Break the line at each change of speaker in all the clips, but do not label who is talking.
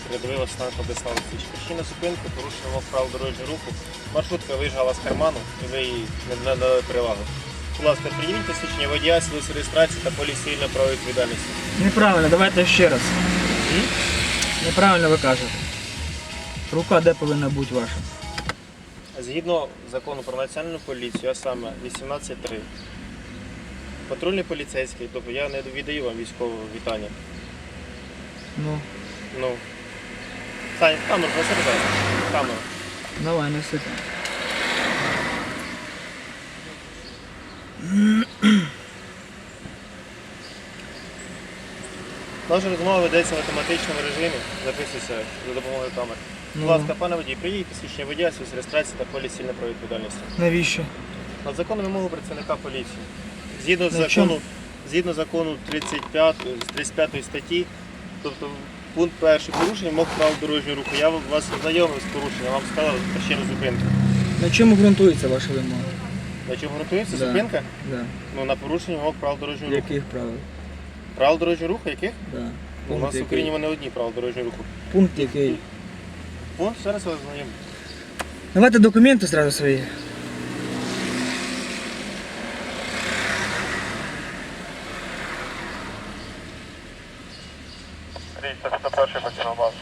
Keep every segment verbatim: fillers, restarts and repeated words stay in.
рядовий Василенко Владислав Олексійович. Причина зупинки – порушення вимог правил дорожнього руху. Маршрутка виїжджала з карману і ви їй не надали перевагу. Будь ласка, пред'явіть посвідчення водія, свідоцтво реєстрації та поліс цивільної правової відповідальності.
Неправильно, давайте ще раз.
М?
Неправильно ви кажете. Рука де повинна бути ваша?
Згідно закону про національну поліцію, а саме вісімнадцять три, патрульний поліцейський, тобто я не віддаю вам військове вітання.
Ну,
Ну, Сань, камеру, посередині, камеру.
давай, неси.
Наша розмова ведеться в автоматичному режимі, записується за допомогою камер. Будь
Ну.
ласка, пане водій, приїдьте посвідчення водія, свідоцтво реєстрації та поліс цивільної правової відповідальності.
Навіщо?
На законну вимогу працівника поліції. Згідно
На
закону, згідно закону тридцять п'ятої статті, тобто пункт перший порушення вимог правил дорожнього руху. Я вас ознайомив з порушенням, вам сказав причину зупинки.
На чому ґрунтується ваша вимога?
На чому ґрунтується
Да.
зупинка?
Да.
Ну, на порушення вимог правил дорожнього руху.
Яких правил?
Правил дорожнього руху яких?
Да.
Ну, у
Пункт
нас в
який?
Україні вони одні правила дорожнього руху.
Пункт який?
Пункт, зараз я вас ознайомлю.
Давайте документи зразу свої.
триста перший починав базу.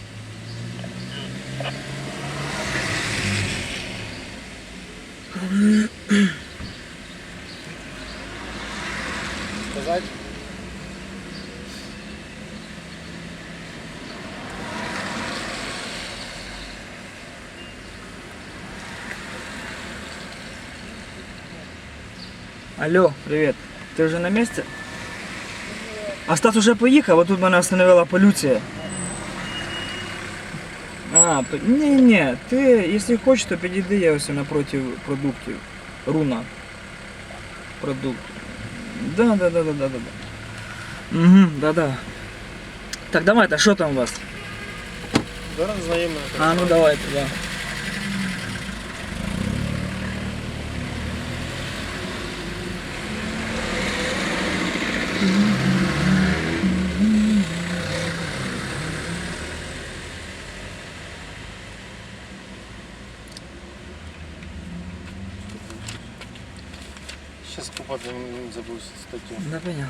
Сказати?
Алло, привіт. Ти вже на місці? А Стас уже поїхав, а тут мене остановила поліція. А, то... ні-ні, ти, якщо хочеш, то підійди, я ось напроти продуктів. Руна. Продукт. Да, да, да, да, да, да. Угу, да, да. Так, давайте, що там у вас?
Зараз знайомі.
А, ну давайте, да.
Зараз купати забув статтю.
Да, понятно.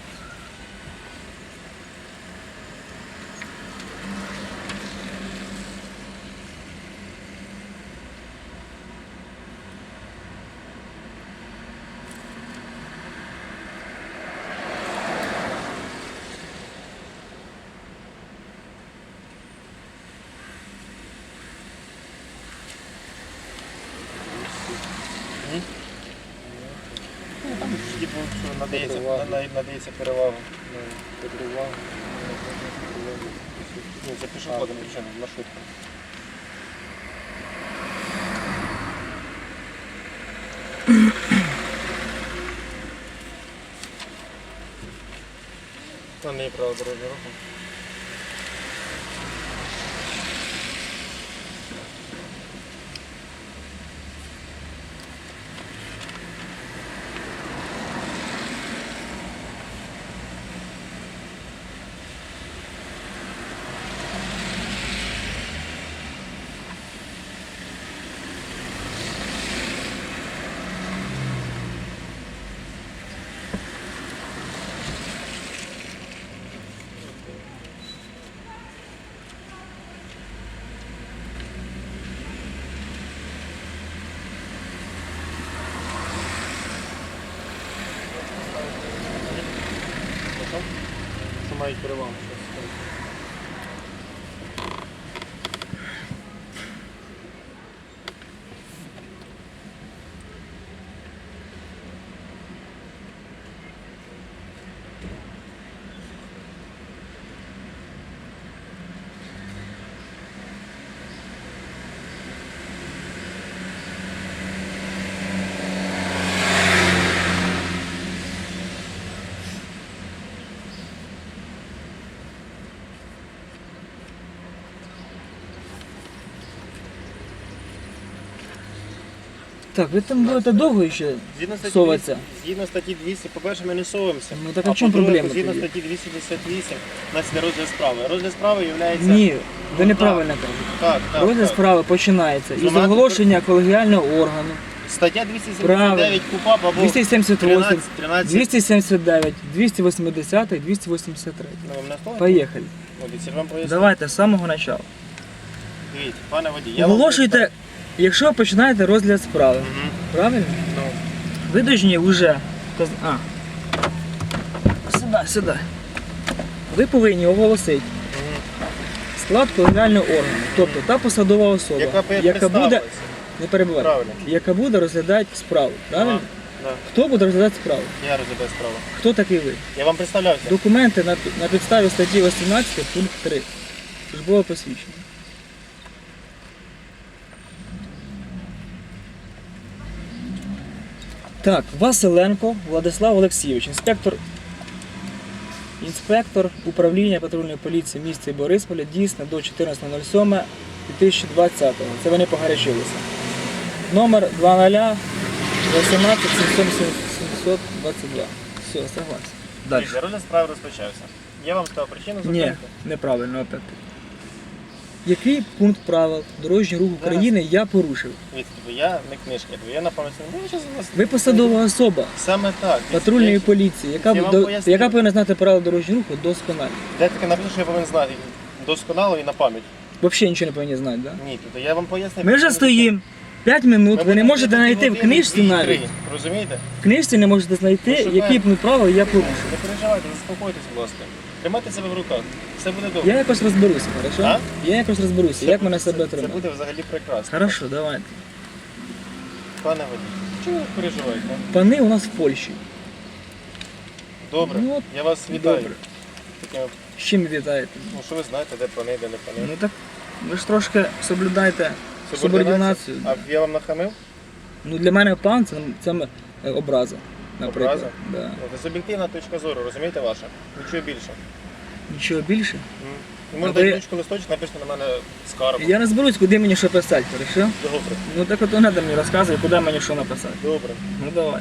Ну, там ж типу, що надається, нада- надається перевага. Ні, це пішоходом причина, маршрутка. Там є право дорожнього руху. Що мають перевагу.
Так, ви там будете довго ще
Згідно статті
соватися?
двісті Згідно статті двісті, по-перше, ми не совуємося.
Ну так а в чому проблема
Згідно
тоді?
статті двісті п'ятдесят вісім у нас іде розгляд справи. Розгляд справи є...
Ні, Ви неправильно кажете.
Так, так.
Розгляд
так.
справи починається із
Знімати
оголошення колегіального органу.
Стаття двісті сімдесят дев'ять КУПАП або
двісті сімдесят восемь,
тринадцять, тринадцять.
двісті сімдесят дев'ять, двісті вісімдесят, двісті вісімдесят три.
Ну, ви мене слухаєте?
Поїхали.
От, і вам поясню.
Давайте з самого початку.
Дивіться, пане водій, я вам
Оголошуйте, якщо ви починаєте розгляд справи.
Мгм.
Правильно?
Ну,
Ви повинні вже. вказ- А. Сюди, сюди. Ви повинні оголосити
мгм.
склад колегіального органу. Тобто та посадова особа,
Яка б
яка буде.
представилась.
Не перебувайте.
Правильно.
Яка буде розглядати справу. Правильно?
Да.
Хто буде розглядати справу?
Я розглядаю справу.
Хто такий ви?
Я вам представлявся.
Документи на, на підставі статті вісімнадцять пункт три. Службове посвідчення. Так, Василенко Владислав Олексійович, інспектор, інспектор управління патрульної поліції в місті Борисполя, дійсно до чотирнадцятого сьомого дві тисячі двадцятого. Це вони погорячилися. Номер два нуль вісімнадцять сімсот двадцять два. Все, согласен. Далі.
Дивіться, розгляд справи розпочався. Я вам сказав причину
Ні,
зупинки.
неправильно опять. Який пункт правил дорожнього руху України я порушив?
Дивіться, тобі, я не книжки, тобі, я на пам'ять не буду зараз вас.
Ви посадова особа
Саме так. Дивіться,
патрульної
я-
поліції, яка,
Я вам
до-
поясню.
яка повинна знати правила дорожнього руху досконально.
Де таке написано, що я повинен знати досконало і на пам'ять.
Взагалі нічого не повинні знати, так? Да?
Ні, тобто я вам поясню.
Ми вже стоїмо п'ять минут, ви не можете знайти в книжці
навіть.
навіть.
Розумієте?
В книжці не можете знайти,
Ну, шукаємо.
який пункт правил я порушив.
Не переживайте, заспокойтесь, будь ласка. Тримайте себе в руках. Все буде добре.
Я якось розберуся, хорошо?
А?
Я якось розберуся,
Це
як
буде-
мене себе
це, це
тримати.
буде взагалі прекрасно.
Хорошо, давайте.
Пане водій, чого ви переживаєте? а?
Пани у нас в Польщі.
Добре,
Ну, от,
я вас вітаю.
добре.
Таким,
З чим ви вітаєте?
ну, що ви знаєте, де пани, де не пани.
Ну так ви ж трошки соблюдайте субординацію.
А я вам нахамив?
Ну для мене пан це, це е, образа, наприклад.
Образа?
Да.
Ну, Це суб'єктивна точка зору, розумієте ваша? Нічого більше.
Нічого більше.
М. Ви
А
можете
ви-
ручку листочок, напишете на мене скаргу.
Я не зберусь, куди мені що писати, хорошо?
Добре,
Ну так от не треба мені розказувати, куди мені що написати.
добре.
Ну давай.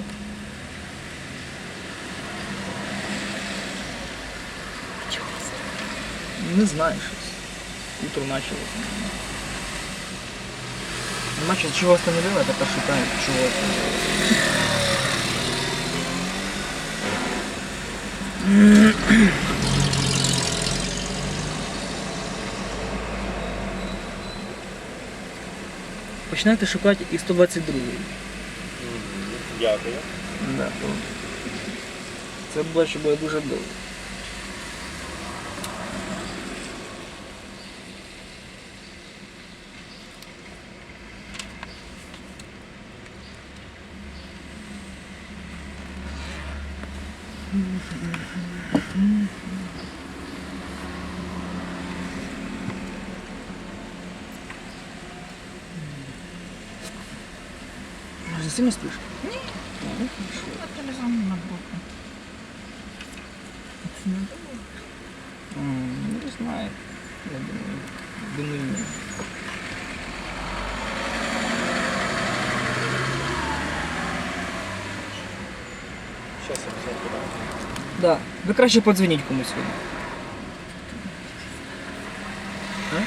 Не знаю щось. Утро началось. Нема чого, чого остановила, я тепер шукаю, чого остановила. Починайте шукати і сто двадцять другий.
М, Дякую.
Да, то це було ще буде дуже довго. Може, сильно спиш? Ні. Ну, хорошо.
Телефон на боку.
М, ну, Не знаю. Я думаю, думаю, ні.
Щас я все подам.
Да. Ви краще подзвоніть комусь сьогодні. А?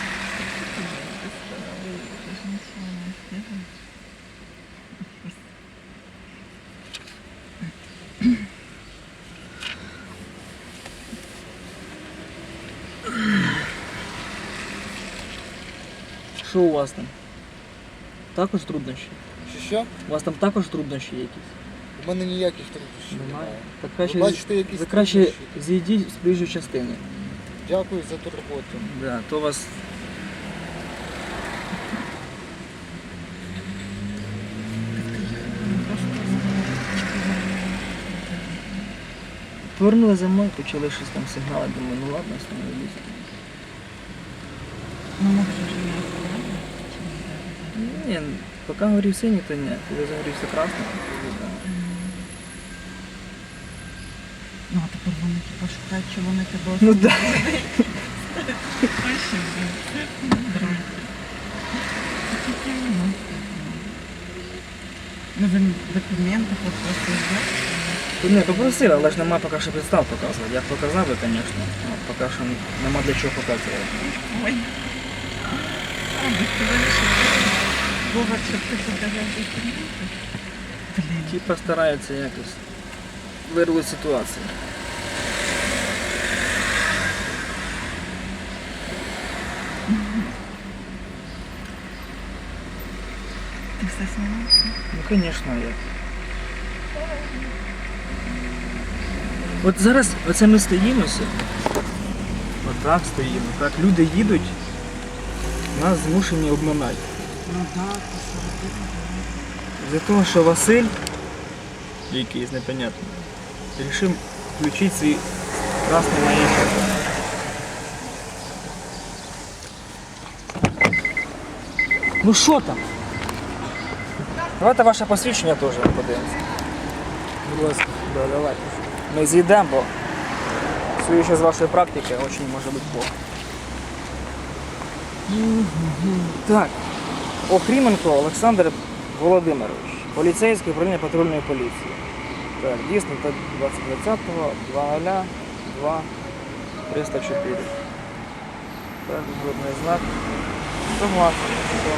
Що у вас там? Також труднощі?
Чи що?
У вас там також труднощі якісь?
У мене ніяких труднощів
Немає.
немає.
Так
Ви
краще,
бачите, якісь
ви краще
труднощі?
зійдіть з проїжджої частини.
Дякую за турботу.
Да, то вас. Повернули за мною, почали щось там сигнали, думаю, ну ладно, остановилися.
Ну, може, вже не остановили?
Ні, поки горів синій, то ні. Коли загорівся красний, то да.
Ну, а тепер вони типу шукають, чи вони тебе
Ну да.
Точно, блін. Ну, Ну, ви документи попросили,
Тут не попросив, але ж нема поки що підстав показувати. Я б показав би, звісно, але поки що нема для чого показувати.
Ой. робити? Ти вирішив Вова, щоб ти подавав документи? Блін.
Ті постараються якось вирвати ситуацію.
Ти все знімаєш?
Ну, звісно, як. От зараз оце ми стоїмося. Отак стоїмо. Так, люди їдуть, нас змушені обминати.
Ну так, посередині.
За того, що Василь, якийсь непонятний, вирішив включити свій красний маячок. Ну що там? Давайте ваше посвідчення теж подивимося.
Будь ласка.
Да, давайте. Ми з'їдемо, бо судячи з вашої практики, дуже може бути плохо. Так. Охріменко Олександр Володимирович, поліцейський управління патрульної поліції. Так, дійсно, так двадцять двадцятого, два два триста чотири. Так, жодний знак. Согласен.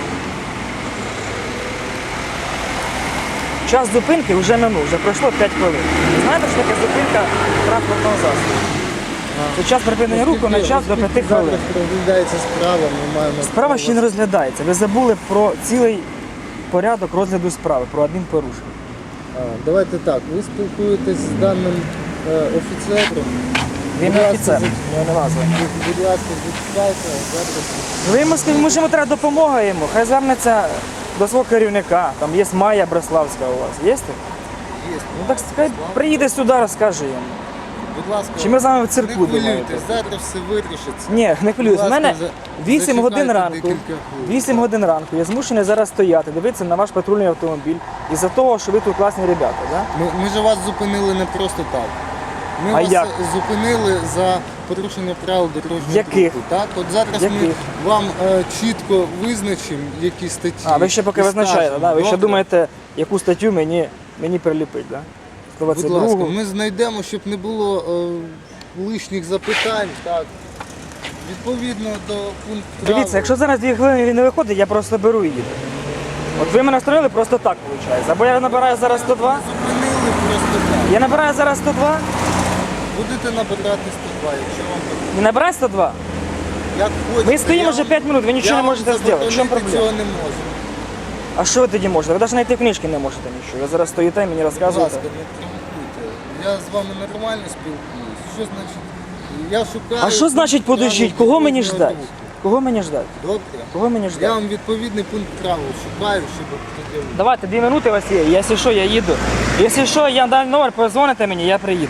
Час зупинки вже минув, вже пройшло п'ять хвилин. Ви знаєте, що таке зупинка транспортного засобу? Це час припинення руху на час до п'яти хвилин.
Зараз розглядається справа, ми маємо...
Справа ще не розглядається. Ви забули про цілий порядок розгляду справи, про адмінпорушення.
А, давайте так, ви спілкуєтесь з даним е, офіцером.
Він
Будь
не
ласка,
офіцер,
за-
його не назва.
Будь- Будь ласка, зачекайте, зараз.
Ви йому скажіть, може йому треба допомога йому, хай звернеться до свого керівника. Там є Майя Бреславська у вас. Є? так?
Є.
Ну так хай приїде сюди, розкаже йому.
Будь ласка,
Чи ми з вами в цирку
не хвилюйтесь,
думаєте?
зараз все вирішиться.
Ні, не хвилююсь. У
Будь
мене
ласка, за-
вісім годин
зачекайте
ранку.
декілька хвилин.
вісім годин ранку. Я змушений зараз стояти, дивитися на ваш патрульний автомобіль. Із-за того, що ви тут класні ребята, да?
Ми, ми ж вас зупинили не просто так. Ми
А
вас
як?
зупинили за порушення правил дорожнього
Яких?
руху. Так, от зараз ми
Яких?
вам е, чітко визначимо, які статті.
А, ви ще поки
і
визначаєте,
скажемо.
да? Ви ще
Добре?
думаєте, яку статтю мені, мені приліпить, да?
Будь ласка,
сто двадцять другу.
ми знайдемо, щоб не було е, лишніх запитань. Так. Відповідно до пункту правил.
Дивіться, якщо зараз дві хвилини він не виходить, я просто беру і їду. От ви мене строїли просто так, виходить. Або я набираю зараз сто два,
Зупинили просто так.
я набираю зараз сто два,
Будете набирати сто два, якщо вам потрібно.
не набираю сто два.
Як хочете.
Ми стоїмо
Я
вже
вам-
п'ять минут, ви нічого
я
не
вам
можете зробити. В чому
заборонити
проблема?
цього не можу.
А що ви тоді можете? Ви навіть знайти книжки не можете нічого. Ви зараз стоїте і мені
Будь
розказуєте.
ласка, не провокуйте. Я з вами нормально спілкуюсь. Що значить? Я шукаю...
А що значить
пункт
подождіть?
правил
Кого мені
дорожнього
ждать?
руху.
Кого мені ждать?
Добре?
Кого мені
Я
ждать?
вам відповідний пункт правил шукаю, щоб тоді...
Давайте, дві минути у вас є. Якщо що, я їду. Якщо що, я дам номер, позвоните мені, я приїду.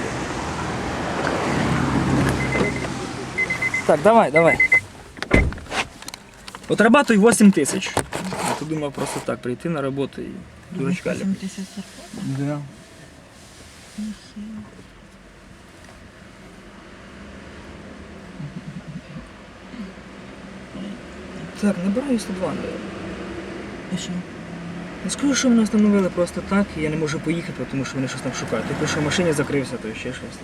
Так, давай, давай. Отрабатуй вісім тисяч. Я тут думав просто так, прийти на роботу і дурачка
вісім тисяч зарплат?
Да. Так, набираю сто два, наверное.
І що?
Не скажу, що мене встановили просто так, і я не можу поїхати, тому що вони щось там шукають. Тільки що в машині закрився, то ще щось.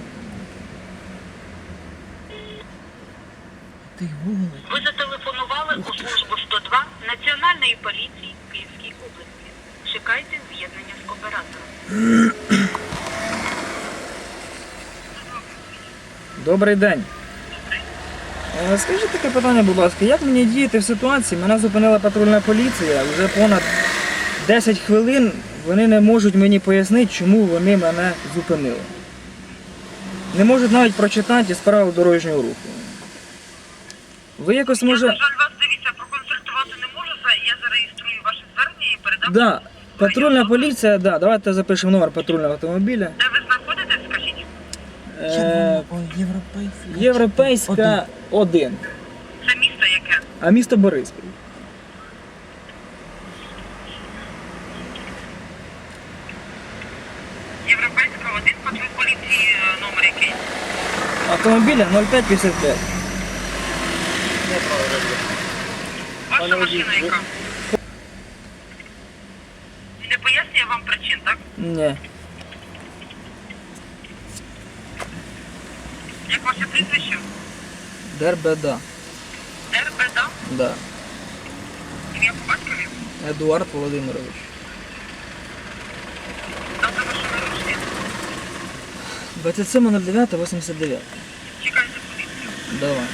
Ти голий.
Ви зателефонували у службу сто два Національної поліції Київській області. Чекайте з'єднання з оператором.
Добрий день. Е, Скажіть таке питання, будь ласка, як мені діяти в ситуації? Мене зупинила патрульна поліція, вже понад десять хвилин вони не можуть мені пояснити, чому вони мене зупинили. Не можуть навіть прочитати із правил дорожнього руху. Ви якось може...
Я, на жаль, вас, дивіться, проконсультувати не можу. За- Я зареєструю ваше звернення і передам.
Да, патрульна поліція, да, давайте запишемо номер патрульного автомобіля.
Де ви знаходитесь, скажіть?
Е,
Червоно, європейська.
Європейська один,
Це місто яке?
а місто Бориспіль.
Європейська один, патруль поліції, е, номер який?
Автомобіля нуль п'ять п'ятдесят п'ять.
Ваша
Пане водій,
машина
ви-
яка? Не пояснює вам причин, так?
Ні.
Як ваше прізвище?
Дербеда.
РБД?
Да.
Ім'я по батькові?
Едуард Володимирович.
Дата вашого народження.
двадцять сьоме дев'яте вісімдесят дев'ять.
Чекайте поліцію.
Давай.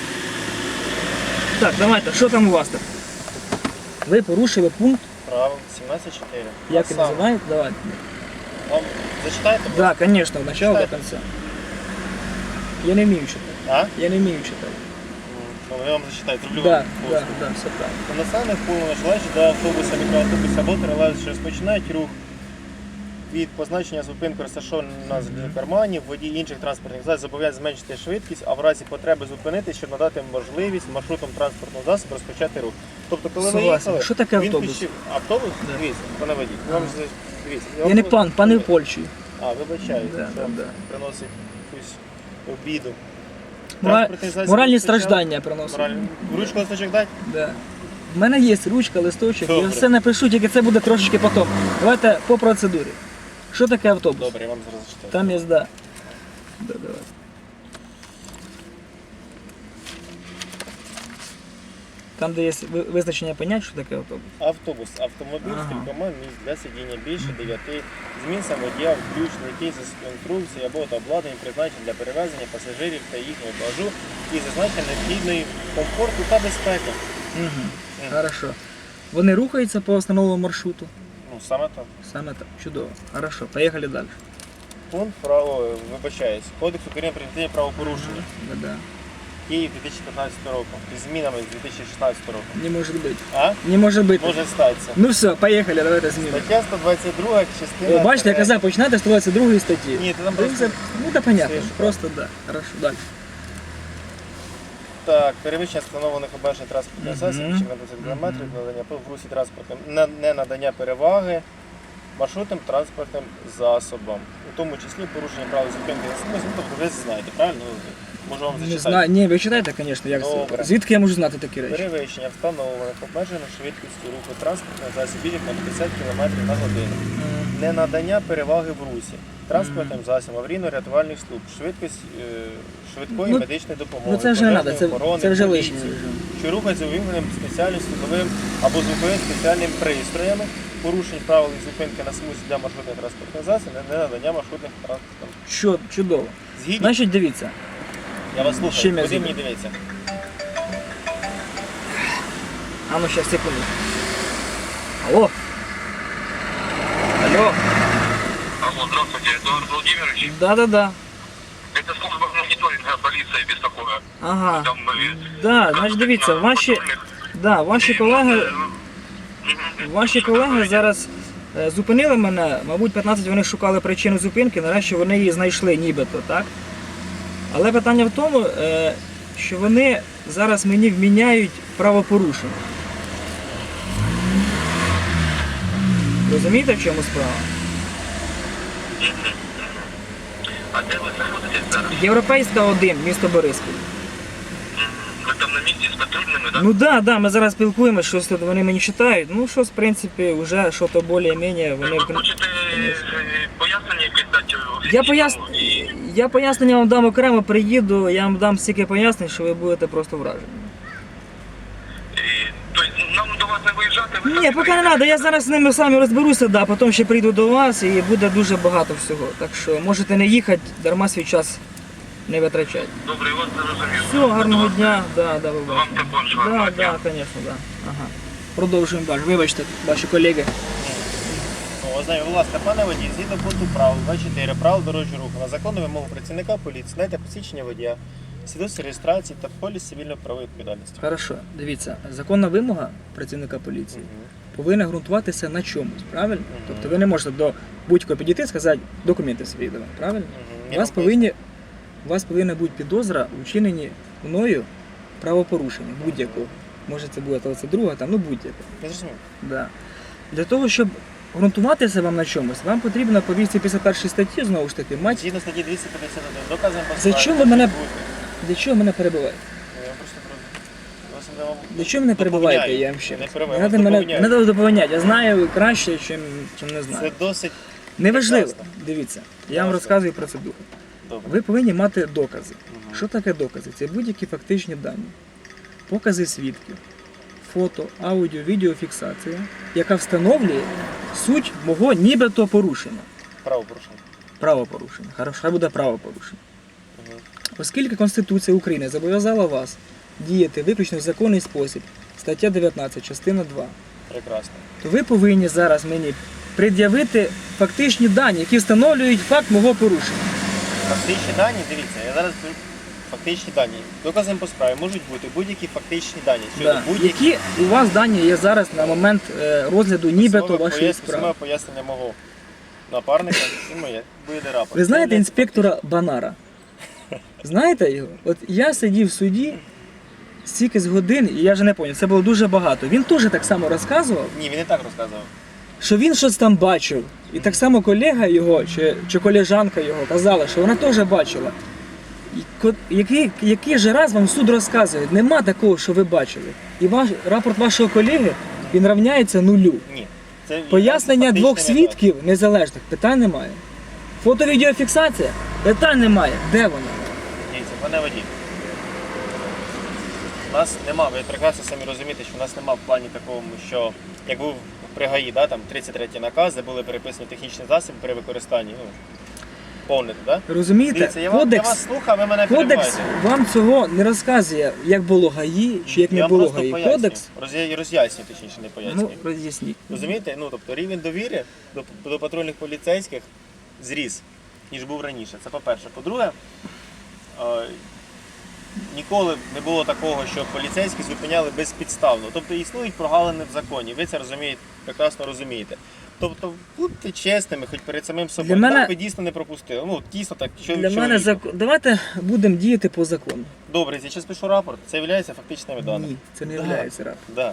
Так, давайте, що там у вас так? Ви порушили пункт,
Правил сімнадцять чотири.
як він називається? Давайте.
Вам зачитаєте? будь
Да, конечно, от начала до
Читайте.
конца. Я не вмію читати.
ласка? А?
Я не вмію читати.
Ну, я вам зачитаю. Роблю
Да,
вам
да,
послугу.
да, все так.
У населених пунктах желаючи до автобуса, мікроавтобуса або тролейбуса, що розпочинають рух від позначення зупинки розташованих на кармані, водій інших транспортних засобів зобов'язаний зменшити швидкість, а в разі потреби зупинитись, щоб надати можливість маршрутом транспортного засобу розпочати рух. Тобто, коли ви
Согласен.
їхали,
Що таке
він
автобус?
пішов. Автобус?
Да.
Дивіться, пане водій. Вам же дивіться.
Я не пан, пане в Польщі.
А, вибачаю,
Да,
що
да.
приносить якусь обіду.
Мора...
Транспортний засіб
Моральні
розпочав-
страждання приносить.
Моральні. Ручку листочок дати?
Да. У мене є ручка, листочок, я
Добре.
все напишу, тільки це буде трошечки потім. Давайте по процедурі. Що таке автобус?
Добре, я вам зараз зачитаю.
Там є да. Да, давай. Там, де є ви- визначення понять, що таке автобус.
Автобус, автомобіль
Ага.
з кількома місць для сидіння більше дев'яти, змін самодія, включно який з конструкції або та обладнання призначені для перевезення пасажирів та їхнього багажу і зазначення необхідної комфорту та безпеки.
Угу. Хорошо. Вони рухаються по основному маршруту.
Ну, саме так.
Саме так. Чудово. Хорошо. Поїхали далі.
Пункт право, вибачаюсь, Кодекс України про адміністративні правопорушення.
Да-да.
Київ дві тисячі п'ятнадцятого року. Із змінами з дві тисячі шістнадцятого року.
Не може бути.
А?
Не може бути.
Може статися.
Ну все, поїхали, давайте змінимо.
Стаття сто двадцять друга, частина...
О, бачите, я
тире-
казав, починати з сто двадцять другої статті.
Ні, це там
Дивіться,
просто...
ну да понятно,
Свіжо.
просто да. Хорошо, далі.
Так, перевищення встановлених обмежень транспортних
Мгм.
засобів чи на десять кілометрів, надання в русі транспортним, не, не надання переваги маршрутним транспортним засобам, у тому числі порушення правил зупинки на смузі. Ну, тобто ви знаєте, правильно? Можу вам
Не
зачитати.
знаю, ні, ви читаєте, звісно, як це.
Добре.
Звідки я можу знати такі речі?
Перевищення встановлених обмежених швидкістю руху транспортних засобів на п'ятдесят кілометрів на годину.
М,
Не надання переваги в русі транспортним засобам, аварійно-рятувальних служб, швидкість е, швидкої
Ну,
медичної допомоги,
Ну це вже не треба,
пожежної
це,
охорони,
це вже
поліції,
лишнє.
що рухаються увімкненим спеціальним слуховим або звуковим спеціальним пристроями, порушень правил і зупинки на смузі для маршрутних транспортних засобів, не надання маршрутних транспортних.
Що, чудово.
Згідні?
Значить, дивіться.
Я вас слухаю.
чим я
Куди
згідний?
мені дивиться?
А ну сейчас, секунду. Алло. Алло.
Алло, здравствуйте, Эдуард Владимирович.
Да-да-да.
Это служба мониторинга полиции беспокоит.
Ага.
Там мы...
Да, значить, дивіться, ваші, да, ваші колеги, ваші колеги зараз е, зупинили мене, мабуть, п'ятнадцять вони шукали причину зупинки, нарешті вони її знайшли нібито, так? Але питання в тому, е, що вони зараз мені вміняють правопорушення. Розумієте, в чому справа?
А де ви знаходитесь зараз?
Європейська один, місто Бориспіль.
Ви там на місці з патрульними, так?
Ну да, да, ми зараз спілкуємося, щось тут вони мені читають. Ну щось, в принципі, вже щось більш-менш вони.
Ви хочете е, пояснення якесь дати?
Я,
офіційному?
пояс...
І-
я пояснення вам дам окремо, приїду, я вам дам стільки пояснень, що ви будете просто вражені.
і- Тобто нам до вас не виїжджати? ви
Ні,
самі
поки не
приїдете?
треба, я зараз з ними самі розберуся, да, потім ще прийду до вас і буде дуже багато всього. Так що можете не їхати, дарма свій час не витрачати.
Добре, я вас зрозумів.
Все, гарного дня, да, да,
Вам
вибачте.
також
Да,
гарного
да,
дня.
звісно, да. Ага. Продовжуємо далі. Вибачте, ваші колеги.
Ну, ознайомте, будь ласка, пане водій, згідно пункту правил двадцять чотири правил дорожнього руху на законну вимогу працівника поліції, знайте посвідчення водія, свідоцтво реєстрації та поліс цивільної правової відповідальності.
Хорошо, дивіться, законна вимога працівника поліції повинна ґрунтуватися на чомусь, правильно? Тобто ви не можете до будь-кого підійти і сказати документи свої давай, правильно? У вас, повинні, у вас повинна бути підозра у вчиненні мною правопорушення будь-якого. Може це буде двадцять друга, там, ну будь-яке.
Я зрозумів.
Да. Для того, щоб ґрунтуватися вам на чомусь, вам потрібно по двісті п'ятдесят першій статті, знову ж таки, мати.
Згідно статті двісті п'ятдесят один, доказом
За чому ви мене- Для чого мене перебиваєте?
Я вам просто про- вас не вам-
Для чого мене перебиваєте,
доповняю.
я вам ще?
Не
Не
перебиваю,
треба
вас
мене
доповняю.
не треба доповняти. Я знаю краще, чим, чим не знаю.
Це досить
Неважливо.
прекрасно.
Дивіться, я вам
Хорошо.
розказую процедуру.
добре.
Ви повинні мати докази.
Мгм.
Що таке докази? Це будь-які фактичні дані, покази свідків, фото, аудіо, відеофіксація, яка встановлює суть мого нібито порушення.
Правопорушення.
Правопорушення. Хорошо, хай буде правопорушення.
Мгм.
Оскільки Конституція України зобов'язала вас діяти виключно в законний спосіб, стаття дев'ятнадцять, частина два,
Прекрасно.
то ви повинні зараз мені пред'явити фактичні дані, які встановлюють факт мого порушення.
Фактичні дані, дивіться, я зараз беру фактичні дані. Доказом по справі можуть бути будь-які фактичні дані. Щодо
Да.
будь-яких
Які у вас дані є зараз на момент е, розгляду нібито
Письмове
вашої
пояс-
справи?
письмове пояснення мого напарника і моє. Буде рапорт.
Ви знаєте
Це
інспектора Банара? Знаєте його? От я сидів в суді стільки з годин, і я вже не пам'ятаю, це було дуже багато. Він теж так само розказував,
Ні, він не так розказував.
що він щось там бачив. І так само колега його чи, чи колежанка його казала, що вона теж бачила. І ко- Який, який же раз вам суд розказує, нема такого, що ви бачили. І ваш рапорт вашого колеги, він рівняється нулю.
Ні. Це
Пояснення
фактичний
двох
метод.
свідків незалежних, питань немає. Фото-відеофіксація, питань немає. Де вона?
Дивіться, пане водій. У нас нема, ви прекрасно самі розумієте, що у нас нема в плані такому, що як був при ГАІ, да, там тридцять третій наказ, де були переписані технічні засоби при використанні. Ну, повнити, да?
Розумієте,
Дивіться, я вам, я
кодекс,
вас слухав, ви мене
кодекс
перебиваєте.
вам цього не розказує, як було ГАІ, чи як
Я
не
вам
було
просто
ГАІ.
пояснюю.
Кодекс,
Роз'я- роз'яснюю, точніше, не пояснюю.
ну, роз'ясніть.
Розумієте? Ну, тобто рівень довіри до, до патрульних поліцейських зріс, ніж був раніше. Це по-перше. По-друге, е, ніколи не було такого, що поліцейські зупиняли безпідставно. Тобто існують прогалини в законі, ви це розумієте, прекрасно розумієте. Тобто будьте чесними, хоч перед самим собою.
Для мене-
Так ви дійсно не пропустили. Ну, дійсно так, що
Для
що
мене
ви-
закон. Давайте будемо діяти по закону.
Добре, я зараз пишу рапорт, це є фактичними даними.
Ні, це не
Да.
є рапорт.
Да.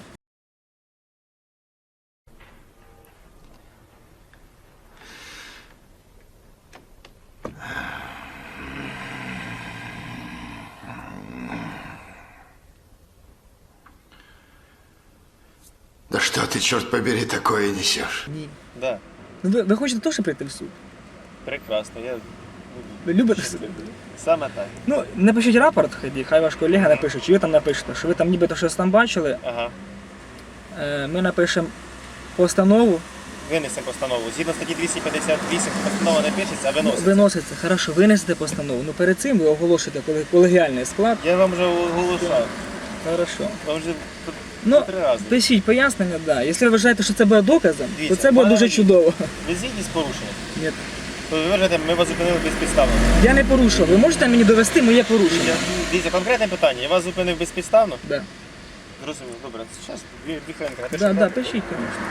Да что ты, черт побери, такое несешь?
Ні.
Да.
Ну, ви, ви хочете теж прийти в суд?
Прекрасно. Я...
Ви любите суд?
Саме так.
Ну, напишіть рапорт, хай- хай ваш колега напише, чи ви там напишете, що ви там нібито щось там бачили.
Ага.
Е, Ми напишемо постанову,
Винесемо постанову. Згідно статті двісті п'ятдесят вісім постанова не пишеться, а виноситься.
виноситься. Хорошо, винесете постанову. Ну перед цим ви оголошуєте колег- колегіальний склад.
Я вам вже оголошав.
Хорошо.
Вам вже по-
Ну,
по три рази.
пишіть пояснення, да. Якщо ви вважаєте, що це буде доказом,
Дивіться,
то це буде
пане
дуже
водій.
чудово.
Ви згідні з порушенням?
Ні.
То ви вважаєте, ми вас зупинили безпідставно.
Я не порушував. Ви можете мені довести моє порушення?
Дивіться, Дивіться, конкретне питання. Я вас зупинив безпідставно?
Да.
Зрозумів, добре. Зараз дві, дві хвилинки напишу.
Да, да,
рапорт.
пишіть, звісно.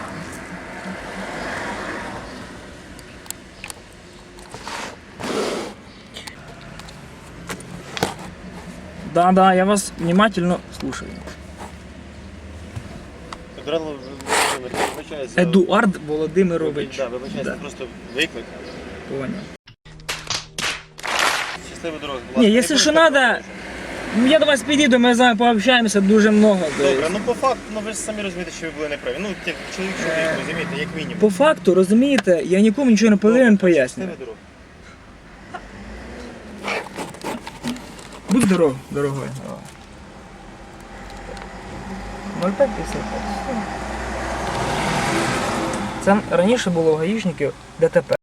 Да, да, я вас внимательно слушаю.
Едуард Володимирович, вибачаюся.
Едуард Володимирович.
Да, вибачаюся,
Да.
просто виклик.
Понял.
Щасливої дороги, будь ласка.
Не,
Не
если
будете
что надо,
порушувати.
ну, я до вас підійду, ми з вами пообщаємося дуже много. то
Добре,
есть.
ну по факту, ну ви ж самі розумієте, що ви були неправі. Ну, як чоловік чоловік, розумієте, як мінімум.
По факту, розумієте, я нікому нічого не повинен пояснювати.
Щасливої дороги.
Будь здоров, дорогой. ноль п'ять п'ятдесят п'ять. Це раніше було у гаїшників ДТП.